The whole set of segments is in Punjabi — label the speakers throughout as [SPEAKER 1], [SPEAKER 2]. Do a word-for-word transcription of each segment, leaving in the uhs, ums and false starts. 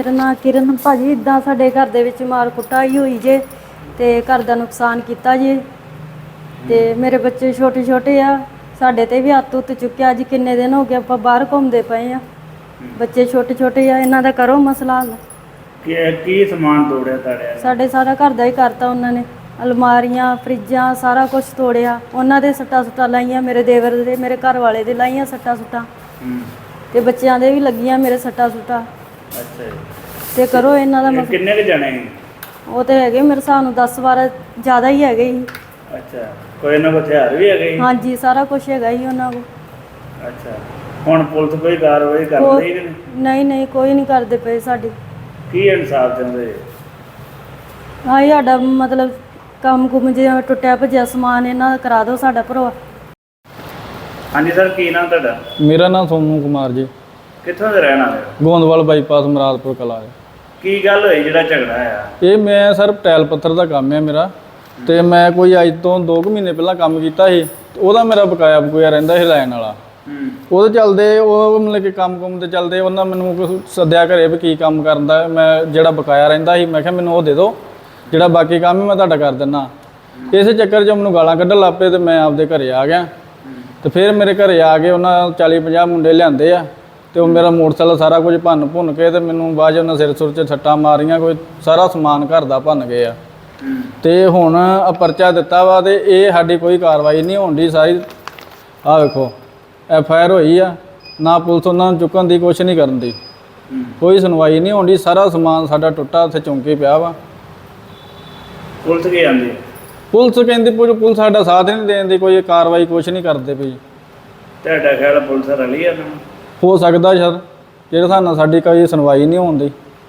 [SPEAKER 1] ਮੇਰਾ ਨਾਮ ਕਿਰਨ ਭਾਜੀ। ਇਦਾਂ ਸਾਡੇ ਘਰ ਦੇ ਵਿੱਚ ਮਾਰ ਕੁਟਾਈ ਹੋਈ ਜੇ ਤੇ ਘਰ ਦਾ ਨੁਕਸਾਨ ਕੀਤਾ ਜੇ ਤੇ ਮੇਰੇ ਬੱਚੇ ਛੋਟੇ ਛੋਟੇ ਆ। ਸਾਡੇ ਤੇ ਵੀ ਹੱਥ ਉੱਤ ਚੁੱਕਿਆ। ਅੱਜ ਕਿੰਨੇ ਦਿਨ ਹੋ ਗਏ ਆਪਾਂ ਬਾਹਰ ਘੁੰਮਦੇ ਪਏ ਆ। ਬੱਚੇ ਛੋਟੇ ਛੋਟੇ ਆ, ਇਹਨਾਂ ਦਾ ਕਰੋ ਮਸਲਾ ਹੱਲ।
[SPEAKER 2] ਕੀ ਕੀ ਸਮਾਨ ਤੋੜਿਆ ਤੁਹਾਡੇ?
[SPEAKER 1] ਸਾਡੇ ਸਾਰਾ ਘਰ ਦਾ ਹੀ ਕਰਤਾ ਉਹਨਾਂ ਨੇ। ਅਲਮਾਰੀਆਂ, ਫਰਿੱਜਾਂ, ਸਾਰਾ ਕੁਝ ਤੋੜਿਆ। ਉਹਨਾਂ ਦੇ ਸੱਟਾਂ ਸੁੱਟਾਂ ਲਾਈਆਂ, ਮੇਰੇ ਦੇਵਰ ਦੇ, ਮੇਰੇ ਘਰ ਵਾਲੇ ਦੇ ਲਾਈਆਂ ਸੱਟਾਂ ਸੁੱਟਾਂ ਤੇ ਬੱਚਿਆਂ ਦੇ ਵੀ ਲੱਗੀਆਂ ਮੇਰੇ ਸੱਟਾਂ ਸੁੱਟਾਂ।
[SPEAKER 2] ਅੱਛਾ ਜੀ।
[SPEAKER 1] ਤੇ ਕਰੋ ਇਹਨਾਂ ਦਾ ਮਸਲਾ।
[SPEAKER 2] ਕਿੰਨੇ ਕੁ ਜਣੇ?
[SPEAKER 1] ਉਹ ਤੇ ਹੈਗੇ ਮੇਰੇ ਹਿਸਾਬ ਨੂੰ ਦਸ ਬਾਰਾਂ ਜ਼ਿਆਦਾ ਹੀ ਹੈਗੇ ਸੀ।
[SPEAKER 2] ਅੱਛਾ, ਕੋਈ ਇਹਨਾਂ ਕੋਲ ਹਥਿਆਰ ਵੀ ਹੈਗੇ?
[SPEAKER 1] ਹਾਂਜੀ, ਸਾਰਾ ਕੁਝ ਹੈਗਾ ਹੀ ਉਹਨਾਂ ਕੋਲ।
[SPEAKER 2] ਅੱਛਾ, ਹੁਣ ਪੁਲਿਸ ਕੋਈ ਕਾਰਵਾਈ ਕਰ ਰਹੀ ਹੈ?
[SPEAKER 1] ਨਹੀਂ ਨਹੀਂ, ਕੋਈ ਨਹੀਂ ਕਰਦੇ ਪਏ ਸਾਡੀ।
[SPEAKER 2] ਕੀ ਇਨਸਾਫ ਚਾਹੁੰਦੇ?
[SPEAKER 1] ਹਾਂ, ਸਾਡਾ ਮਤਲਬ ਕੰਮ ਕੁਮ ਜਿਹਾ ਟੁੱਟਿਆ ਭੱਜਿਆ ਸਮਾਨ ਇਹਨਾਂ ਦਾ ਕਰਾ ਦਿਓ ਸਾਡਾ ਭਰਵਾ।
[SPEAKER 2] ਹਾਂਜੀ ਸਰ, ਕੀ ਨਾਮ ਤੁਹਾਡਾ?
[SPEAKER 3] ਮੇਰਾ ਨਾਮ ਸੋਨੂ ਕੁਮਾਰ ਜੀ।
[SPEAKER 2] ਕਿੱਥੋਂ ਦੇ ਰਹਿਣ ਵਾਲੇ ਹੋ?
[SPEAKER 3] ਗੋਂਦਵਾਲ ਬਾਈਪਾਸ ਮਰਾਦਪੁਰ ਕਲਾ ਹੈ।
[SPEAKER 2] ਕੀ ਗੱਲ ਹੋਈ ਜਿਹੜਾ ਝਗੜਾ ਆ?
[SPEAKER 3] ਇਹ ਮੈਂ ਸਰ ਟੈਲ ਪੱਥਰ ਦਾ ਕੰਮ ਹੈ ਮੇਰਾ, ਤੇ ਮੈਂ ਕੋਈ ਅੱਜ ਤੋਂ ਦੋ ਕੁ ਮਹੀਨੇ ਪਹਿਲਾਂ ਕੰਮ ਕੀਤਾ ਸੀ। ਉਹਦਾ ਮੇਰਾ ਬਕਾਇਆ ਬਕੂਇਆ ਰਹਿੰਦਾ ਸੀ ਲੈਣ ਵਾਲਾ। ਉਹਦੇ ਚੱਲਦੇ ਉਹ ਮਤਲਬ ਕਿ ਕੰਮ ਕੁੰਮ ਤੇ ਚੱਲਦੇ ਉਹਨਾਂ ਮੈਨੂੰ ਕੁਛ ਸੱਦਿਆ ਘਰੇ ਵੀ ਕੀ ਕੰਮ ਕਰਦਾ। ਮੈਂ ਜਿਹੜਾ ਬਕਾਇਆ ਰਹਿੰਦਾ ਸੀ ਮੈਂ ਕਿਹਾ ਮੈਨੂੰ ਉਹ ਦੇ ਦਿਓ, ਜਿਹੜਾ ਬਾਕੀ ਕੰਮ ਹੀ ਮੈਂ ਤੁਹਾਡਾ ਕਰ ਦਿੰਦਾ। ਇਸੇ ਚੱਕਰ 'ਚ ਮੈਨੂੰ ਗਾਲਾਂ ਕੱਢਣ ਲੱਗ ਪਏ ਤੇ ਮੈਂ ਆਪਦੇ ਘਰੇ ਆ ਗਿਆ। ਤੇ ਫਿਰ ਮੇਰੇ ਘਰੇ ਆ ਕੇ ਉਹਨਾਂ ਚਾਲੀ ਪੰਜਾਹ ਮੁੰਡੇ ਲਿਆਂਦੇ ਆ ਤੇ ਉਹ ਮੇਰਾ ਮੋਟਰਸਾਈਕਲ ਸਾਰਾ ਕੁਝ ਭੰਨ ਭੁੰਨ ਕੇ ਤੇ ਮੈਨੂੰ ਬਾਅਦ 'ਚ ਉਹਨਾਂ ਸਿਰ ਸੁਰ 'ਚ ਸੱਟਾਂ ਮਾਰੀਆਂ। ਕੋਈ ਸਾਰਾ ਸਮਾਨ ਘਰ ਦਾ ਭੰਨ ਗਏ ਆ। ਤੇ ਹੁਣ ਪਰਚਾ ਦਿੱਤਾ ਵਾ ਤੇ ਇਹ ਸਾਡੀ ਕੋਈ ਕਾਰਵਾਈ ਨਹੀਂ ਹੋਣ ਦੀ। ਸਾਰੀ ਆਹ ਵੇਖੋ ਐਫ ਆਈ ਆਰ ਹੋਈ ਆ, ਨਾ ਪੁਲਿਸ ਉਹਨਾਂ ਨੂੰ ਚੁੱਕਣ ਦੀ ਕੁਛ ਨਹੀਂ ਕਰਨ ਦੀ, ਕੋਈ ਸੁਣਵਾਈ ਨਹੀਂ ਹੋਣ ਦੀ। ਸਾਰਾ ਸਮਾਨ ਸਾਡਾ ਟੁੱਟਾ ਉੱਥੇ ਚੌਂਕੀ ਪਿਆ ਵਾ।
[SPEAKER 2] ਪੁਲਿਸ ਕੀ ਆਂਦੀ?
[SPEAKER 3] ਪੁਲਿਸ ਕਹਿੰਦੀ ਪੁਲਿਸ ਸਾਡਾ ਸਾਥ ਨਹੀਂ ਦੇਣ ਦੀ, ਕੋਈ ਕਾਰਵਾਈ ਕੁਛ ਨਹੀਂ ਕਰਦੇ ਪਈ।
[SPEAKER 2] ਤੁਹਾਡਾ ਖਿਆਲ ਪੁਲਿਸ ਰਲੀ ਆ?
[SPEAKER 3] ਹੋ ਸਕਦਾ ਸਰ, ਜਿਹੜੇ ਹਿਸਾਬ ਨਾਲ ਸਾਡੀ ਕੋਈ ਸੁਣਵਾਈ ਨਹੀਂ ਹੋਣ ਦੀ।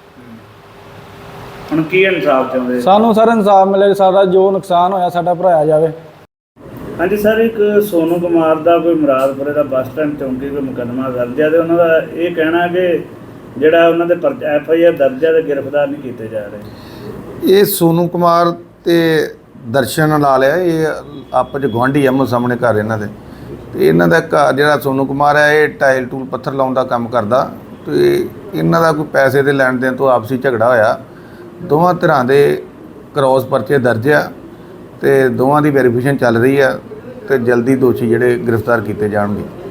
[SPEAKER 2] ਹੁਣ ਕੀ ਇਨਸਾਫ ਚਾਹੁੰਦੇ?
[SPEAKER 3] ਸਾਨੂੰ ਸਰ ਇਨਸਾਫ ਮਿਲੇ, ਸਾਡਾ ਜੋ ਨੁਕਸਾਨ ਹੋਇਆ ਸਾਡਾ ਭਰਾਇਆ ਜਾਵੇ।
[SPEAKER 2] ਹਾਂਜੀ ਸਰ, ਇੱਕ ਸੋਨੂ ਕੁਮਾਰ ਦਾ ਕੋਈ ਮੁਰਾਦਪੁਰੇ ਦਾ ਬੱਸ ਸਟੈਂਡ ਚੌਂਕੀ ਕੋਈ ਮੁਕੱਦਮਾ ਦਰਜ ਹੈ ਤੇ ਉਹਨਾਂ ਦਾ ਇਹ ਕਹਿਣਾ ਕਿ ਜਿਹੜਾ ਉਹਨਾਂ ਦੇ ਐਫ ਆਈ ਆਰ ਦਰਜ ਹੈ ਤੇ ਗ੍ਰਿਫਤਾਰ ਨਹੀਂ ਕੀਤੇ ਜਾ ਰਹੇ।
[SPEAKER 4] ਇਹ ਸੋਨੂ ਕੁਮਾਰ ਤੇ ਦਰਸ਼ਨ ਲਾਲ ਹੈ, ਇਹ ਆਪਸ 'ਚ ਗੁਆਂਢੀ ਆਮੋ ਸਾਹਮਣੇ ਘਰ ਇਹਨਾਂ ਦੇ। ਤੇ ਇਹਨਾਂ ਦਾ ਘਰ ਜਿਹੜਾ ਸੋਨੂ ਕੁਮਾਰ ਹੈ ਇਹ ਟਾਇਲ ਟੂਲ ਪੱਥਰ ਲਾਉਣ ਦਾ ਕੰਮ ਕਰਦਾ। ਤੇ ਇਹਨਾਂ ਦਾ ਕੋਈ ਪੈਸੇ ਦੇ ਲੈਣ ਦੇਣ ਤੋਂ ਆਪਸੀ ਝਗੜਾ ਹੋਇਆ। ਦੋਵਾਂ ਧਿਰਾਂ ਦੇ ਕ੍ਰੋਸ ਪਰਚੇ ਦਰਜ ਆ ਤੇ ਦੋਵਾਂ ਦੀ ਵੈਰੀਫਿਕੇਸ਼ਨ ਚੱਲ ਰਹੀ ਆ ਤੇ ਜਲਦੀ ਦੋਸ਼ੀ ਜਿਹੜੇ ਗ੍ਰਿਫਤਾਰ ਕੀਤੇ ਜਾਣਗੇ।